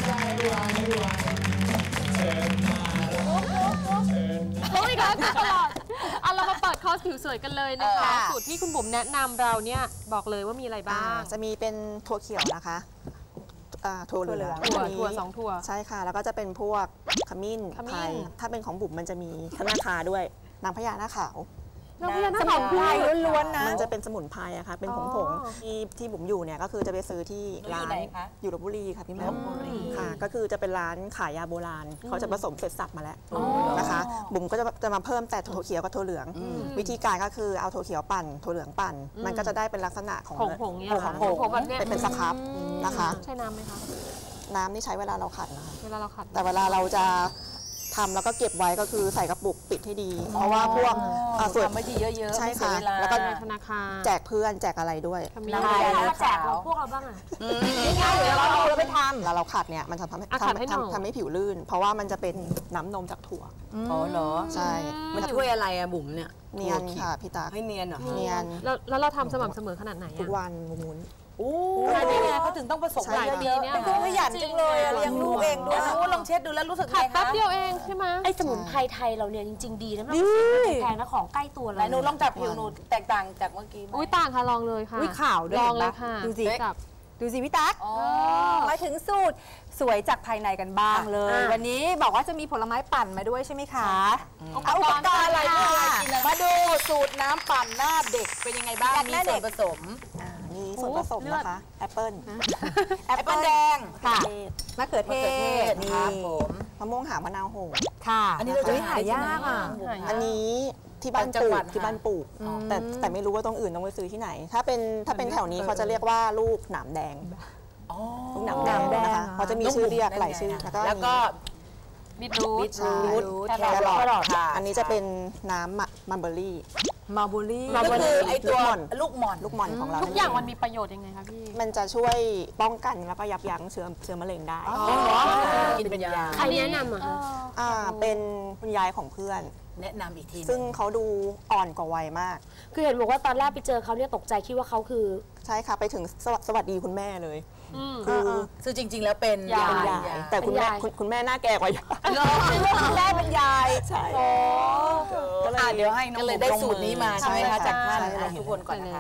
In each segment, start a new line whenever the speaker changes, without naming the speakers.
โอ้ยค่ะตลอดเอาเรามาเปิดคอร์สผิวสวยกันเลยนะคะสูตรที่คุณบุ๋มแนะนำเราเนี่ยบอกเลยว่ามีอะไรบ้าง
จะมีเป็นถั่วเขียวนะคะถั่วเหลือง
ถั่ว2 ถั่ว
ใช่ค่ะแล้วก็จะเป็นพวกขมิ้นไทยถ้าเป็นของบุ๋มมันจะมีธนาคาด้วยนางพญาหน้าขาว
น้ำพญานาคขาว
ล้วนๆนะมันจะเป็นสมุนไพรอะค่ะเป็นผงที่บุ๋มอยู่เนี่ยก็คือจะไปซื้อที่ร้านอยู่ลพบุรีค่ะพี่แม่ค่ะก็คือจะเป็นร้านขายยาโบราณเขาจะผสมเสร็จสับมาแล้วนะคะบุ๋มก็จะมาเพิ่มแต่ถั่วเขียวกับถั่วเหลืองวิธีการก็คือเอาถั่วเขียวปั่นถั่วเหลืองปั่นมันก็จะได้เป็นลักษณะของ
ผงแบบนี้
เป็นสครับนะคะ
ใช่น้ำไหมคะ
น้ำนี่ใช้เวลาเราขัดนะคะ
เวลาเราขัด
แต่เวลาเราจะทำแล้วก็เก็บไว้ก็คือใส่กระปุกปิดให้ดีเพราะว่าพวก
ส่วนไม่ดีเยอะๆ
ใช่ค่ะแล้วก็
ธนาคาร
แจกเพื่อนแจกอะไรด้วย
แล้วแจกพวกเราบ้างอ่ะ
ง่ายๆเดี๋ยวเราไปทำแล้วเราขัดเนี่ยมันทำให้ผิวลื่นเพราะว่ามันจะเป็นน้ำนมจากถั่ว
อ๋อเหรอ
ใช่
มันช่วยอะไรอะบุ๋มเนี่ย
เนียนค่ะพี่ตา
ให้เนียนเหรอ
เนียน
แล้วเราทำสม่ำเสมอขนาดไหน
ทุกวันมุน
โอ้นี่ไงเขาถึงต้องผสมหลายปีเนี่ยเป็นขยันจังเลยเลี้ยงลูกเองด้วยลองเช็ดดูแล้วรู้สึกไงคะ
แป๊บเดียวเองใช่ไหม
ไอ้สมุนไพรไทยเราเนี่ยจริงๆดีนะมันแพงนะของใกล้ตัวเลย
หนูลองจับผิวหนูแตกต่างจากเมื่อกี้
อุ้ยต่างค่ะลองเลยค่ะ
ขาวด้วย
ลองเลยค่ะ
ดูสิพี่ตั๊กมาถึงสูตรสวยจากภายในกันบ้างเลยวันนี้บอกว่าจะมีผลไม้ปั่นมาด้วยใช่ไหมคะ
เอาอุปกรณ์อะไรมาดูสูตรน้ำปั่นหน้าเด็กเป็นยังไงบ้างมีส่วนผสม
มีส่วนผสมนะคะแอปเปิ้ล
แดง
ค่ะมะเขือเทศ
นี่
มะม่วงหาวมะนาวโห
ค่ะ
อันนี้เราจะ
หายากอ่ะ
อันนี้ที่บ้านปลูกแต่ไม่รู้ว่าตรงอื่นต้องไปซื้อที่ไหนถ้าเป็นแถวนี้เขาจะเรียกว่าลูกหนามแดงลูกหนามแดงนะคะเขาจะมีชื่อเรียกหลายชื่อ
แล้วก็บีทรูท
แครอทอันนี้จะเป็นน้ำมัลเบอรี่
ก็คือไอตัวลูกหม่อน
ของเรา
ทุกอย่างมันมีประโยชน์ยังไงคะพี่
มันจะช่วยป้องกันแล้วก็ยับยั้งเชื้อมะเร็งได้
กินเป็นยา
ใครแนะนำ
เป็นคุณยายของเพื่อน
แนะนำอีกที
ซึ่งเขาดูอ่อนกว่าวัยมาก
คือเห็นบอกว่าตอนแรกไปเจอเขาเนี่ยตกใจคิดว่าเขาคือ
ใช่ค่ะไปถึงสวัสดีคุณแม่เลย
คือจริงๆแล้วเป็น
ยายแต่คุณแม่หน้าแก่กว่ายาย
คุณแม่เป็นยาย
ใช่
ก็เลยเดี๋ยวให้น้องเลยได้สูตรนี้มาใช่ไหมคะจากท่านทุกคนก่อนนะคะ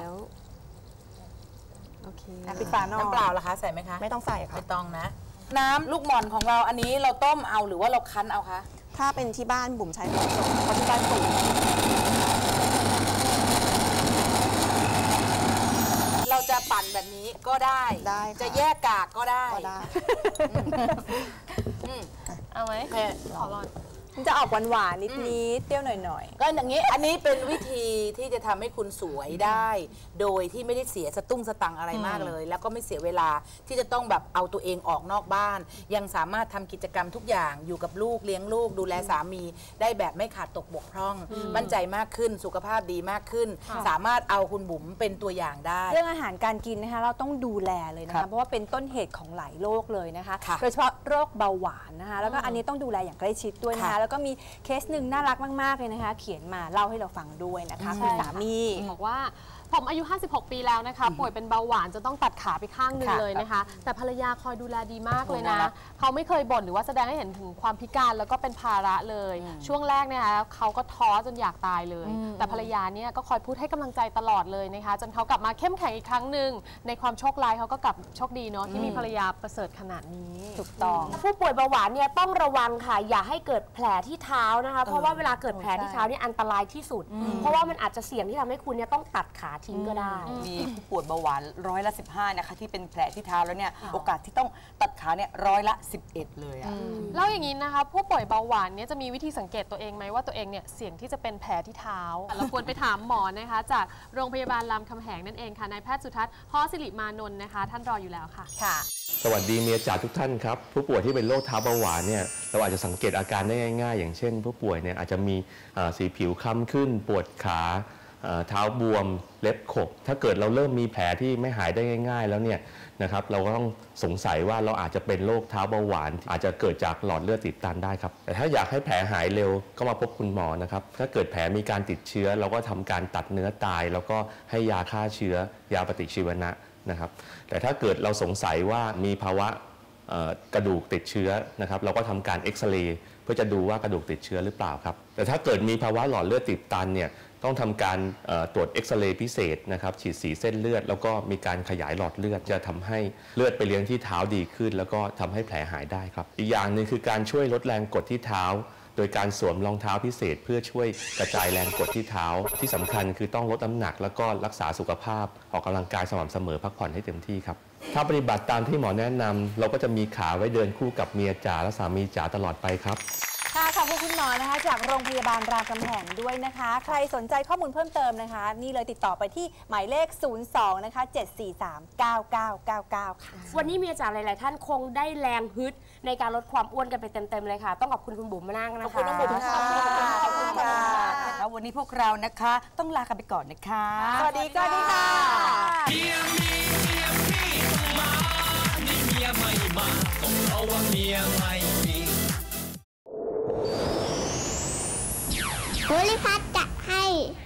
โอเค
ปิดฝาน้ำเปล่าล่ะคะใส่ไหมคะ
ไม่ต้องใส่ค่ะ
ไม่ต้องนะน้ำลูกหม่อนของเราอันนี้เราต้มเอาหรือว่าเราคั้นเอาคะ
ถ้าเป็นที่บ้านบุ๋มใช้ผสมเพราะที่บ้านปลูก
เราจะปั่นแบบนี้ก็ได้จะแยกกากก็ได้
เอาไหมขอลอง
จะออกหวานๆนิดเปรี้ยวหน่อย
ๆก็อย่างนี้อันนี้เป็นวิธีที่จะทำให้คุณสวยได้ โดยที่ไม่ได้เสียสตุ้งสตังอะไรมากเลยแล้วก็ไม่เสียเวลาที่จะต้องแบบเอาตัวเองออกนอกบ้านยังสามารถทำกิจกรรมทุกอย่างอยู่กับลูกเลี้ยงลูกดูแลสามีได้แบบไม่ขาดตกบกพร่องมั่นใจมากขึ้นสุขภาพดีมากขึ้นสามารถเอาคุณบุ๋มเป็นตัวอย่างได้
เรื่องอาหารการกินนะคะเราต้องดูแลเลยนะคะเพราะว่าเป็นต้นเหตุของหลายโรคเลยนะคะโดยเฉพาะโรคเบาหวานนะคะแล้วก็อันนี้ต้องดูแลอย่างใกล้ชิดด้วยนะคะแล้วก็มีเคสหนึ่งน่ารักมากๆเลยนะคะเขียนมาเล่าให้เราฟังด้วยนะคะคุณสามี
บอกว่าผมอายุ56ปีแล้วนะคะป่วยเป็นเบาหวานจะต้องตัดขาไปข้างหนึ่งเลยนะคะแต่ภรรยาคอยดูแลดีมากเลยนะเขาไม่เคยบ่นหรือว่าแสดงให้เห็นถึงความพิการแล้วก็เป็นภาระเลยช่วงแรกนะคะเขาก็ท้อจนอยากตายเลยแต่ภรรยาเนี่ยก็คอยพูดให้กำลังใจตลอดเลยนะคะจนเขากลับมาเข้มแข็งอีกครั้งหนึ่งในความโชคร้ายเขาก็กลับโชคดีเนาะที่มีภรรยาประเสริฐขนาดนี้
ถูกต้อง
ผู้ป่วยเบาหวานเนี่ยต้องระวังค่ะอย่าให้เกิดแผลที่เท้านะคะเพราะว่าเวลาเกิดแผลที่เท้านี่อันตรายที่สุดเพราะว่ามันอาจจะเสี่ยงที่ทำให้คุณเนี่ยต้องตัดขาทิ้งก็ได้
มีผู้ป่วยเบาหวาน15%นะคะที่เป็นแผลที่เท้าแล้วเนี่ยโอกาสที่ต้องตัดขาเนี่ย11%เลยอ่ะ
แล้วอย่างนี้นะคะผู้ป่วยเบาหวานเนี่ยจะมีวิธีสังเกตตัวเองไหมว่าตัวเองเนี่ยเสี่ยงที่จะเป็นแผลที่เท้าเราควรไปถามหมอนะคะจากโรงพยาบาลรามคำแหงนั่นเองค่ะนายแพทย์สุทัศน์ ฮอสิริมานนท์นะคะท่านรออยู่แล้วค่ะ
สวัสดีเมียจ๋าทุกท่านครับผู้ป่วยที่เป็นโรคเท้าเบาหวานเนี่ยเราอาจจะสังเกตอาการได้ง่ายๆอย่างเช่นผู้ป่วยเนี่ยอาจจะมีสีผิวคล้ำขึ้นปวดขาเท้าบวมเล็บขบถ้าเกิดเราเริ่มมีแผลที่ไม่หายได้ง่ายๆแล้วเนี่ยนะครับเราก็ต้องสงสัยว่าเราอาจจะเป็นโรคเท้าเบาหวานอาจจะเกิดจากหลอดเลือดติดตันได้ครับแต่ถ้าอยากให้แผลหายเร็วก็มาพบคุณหมอนะครับถ้าเกิดแผลมีการติดเชื้อเราก็ทำการตัดเนื้อตายแล้วก็ให้ยาฆ่าเชื้อยาปฏิชีวนะนะครับแต่ถ้าเกิดเราสงสัยว่ามีภาวะกระดูกติดเชื้อนะครับเราก็ทำการเอ็กซเรย์เพื่อจะดูว่ากระดูกติดเชื้อหรือเปล่าครับแต่ถ้าเกิดมีภาวะหลอดเลือดติดตันเนี่ยต้องทำการตรวจเอ็กซเรย์พิเศษนะครับฉีดสีเส้นเลือดแล้วก็มีการขยายหลอดเลือดจะทำให้เลือดไปเลี้ยงที่เท้าดีขึ้นแล้วก็ทำให้แผลหายได้ครับอีกอย่างหนึ่งคือการช่วยลดแรงกดที่เท้าโดยการสวมรองเท้าพิเศษเพื่อช่วยกระจายแรงกดที่เท้าที่สำคัญคือต้องลดน้ำหนักแล้วก็รักษาสุขภาพออกกำลังกายสม่ำเสมอพักผ่อนให้เต็มที่ครับถ้าปฏิบัติตามที่หมอแนะนำเราก็จะมีขาไว้เดินคู่กับเมียจ๋าและสามีจ๋าตลอดไปครับ
ค่ะขอบคุณคุณหมอนะคะจากโรงพยาบาลรามคำแหงด้วยนะคะใครสนใจข้อมูลเพิ่มเติมนะคะนี่เลยติดต่อไปที่หมายเลข 02 นะคะ 7439999 ค่ะ
วันนี้เมียจ๋าหลายๆท่านคงได้แรงฮึดในการลดความอ้วนกันไปเต็มๆเลยค่ะต้องขอบคุณคุณบุ๋มมานั่งนะคะ
ขอบคุณน้องบุ๋มค่ะ
ขอบคุณค่ะ
แล้ววันนี้พวกเรานะคะต้องลากันไปก่อนนะคะ
สวัสดีค่ะ
เมียมีเมียพี่ต้องมานี่เมียไม่มาก็เพราะว่าเมียไม่มี
โพลิพัทจะให้